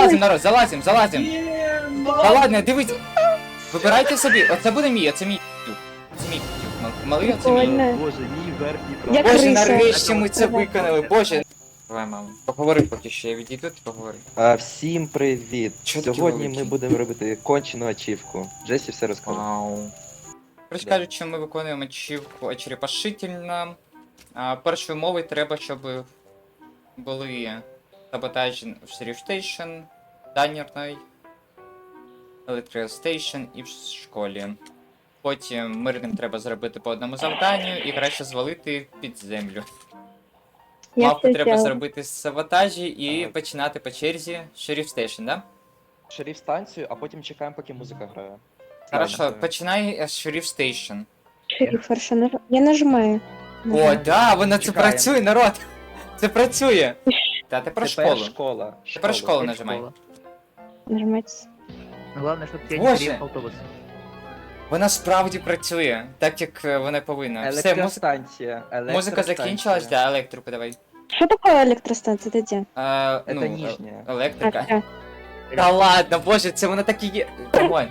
залазим, народ, залазим. Та ладно, дивись. Вибирайте собі. Оце буде мій, оце мій. Це мій. Малий, оце мій. Прикольно. Боже, мій верхній Я правий. Боже, криса. нарешті ми це виконали, боже. Давай, мамо. Поговори поки що, я відійду, ти поговори. Всім привіт! Чо такі Сьогодні великі? ми будемо робити кончену ачівку. Джесі все розкаже. Вау. Коротше кажучи, ми виконуємо ачівку очерепашительно. Першою умовою треба, щоб були саботажі в Sheriff Station, Данірної, Electrical Station і в школі. Потім мирним треба зробити по одному завданню і краще звалити під землю. Я Мавку все треба сделала. зробити саботажі і Так. починати по черзі Sheriff Station, да? Шериф станцію, а потім чекаємо, поки музика грає. Хорошо, Ладно. починай з Sheriff Station. Шериф, хорошо, я нажимаю. О, да, воно це Чекаємо. працює, народ! Це працює! Та тепер школу. школа. Тепер школу нажимай. Нажимать. Главное, чтобы тебя Боже. не переехал автобус. Вона справді працює, так як вона повинна. Все, Електростанція. музика закінчилась, да, електрику давай. Что такое электростанция? Это где? Це ніжня. Електрика. всё. Та ладно, боже, це вона так і є. Нормально.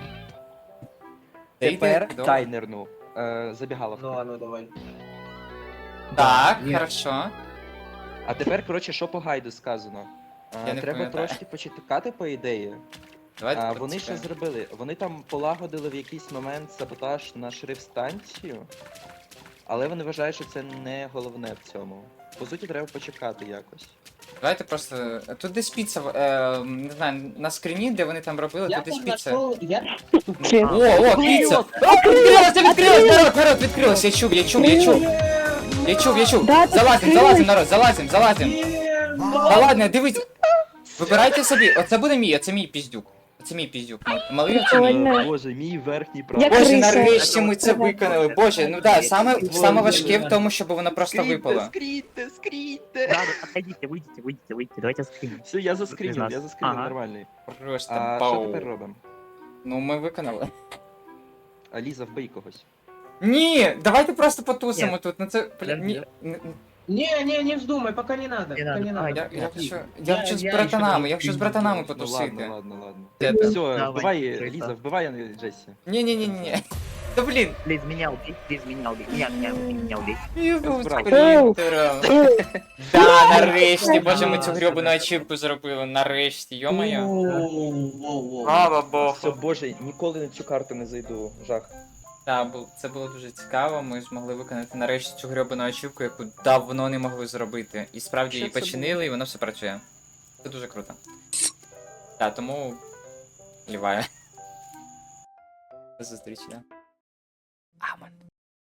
Тепер Добре. тайнерну. Забігаловка. Ну ладно, давай. Так, Є. хорошо. А тепер, коротше, що по гайду сказано? Я не Треба пам'ятаю. трошки почекати, по ідеї. Давайте Вони що працюємо. зробили? Вони там полагодили в якийсь момент саботаж на шрифт-станцію, але вони вважають, що це не головне в цьому. По суті, треба почекати якось. Давайте просто. Тут десь піца, не знаю, на скріні, де вони там робили, Я тут десь тут піца. нашел, я... Блин. О, піца! Відкрилось, народ, відкрилось, я чув. Да, тут Залазим, відкрилось. народ, залазим. Та ладно, дивись. Вибирайте собі, оце буде мій, оце мій піздюк. Оце мій піздюк. Малий, оце мій. Прикольно. Боже, мій верхній Я правий. Боже, криса. нарешті ми це виконали. Боже, ну да, саме важке в тому, щоб воно просто випало. Скрійте! Да, отходите, выйдите, давайте скриним. Все, я заскрінив, Ага. нормальний. Просто Що бау. тепер робимо? Ну ми виконали. Ліза, вбий когось. Ні, давайте просто потусимо Ні. тут. Ну це ні. Не вздумай, пока не надо. Не Пока надо, не давай. надо. Я хочу з братанами, я хочу з братанами Ну потусити. ладно. Де Все, Давай, вбивай, Криса. Ліза, вбивай Джесі. Ні. Та блін. Плиз, меня убей, меня убей. Юзу, Збрав. спринтером. Да, нарешті, боже, ми цю грьобану ачівку зробили, нарешті, йо-моє. Слава Все, Богу. боже, ніколи на цю карту не зайду. Жах. Так, це було дуже цікаво, ми змогли виконати нарешті цю грьобану ачівку, яку давно не могли зробити. І справді Що її це починили, і воно все працює. Це дуже круто. Так, тому... Ліваю. До зустрічі, да. Амон.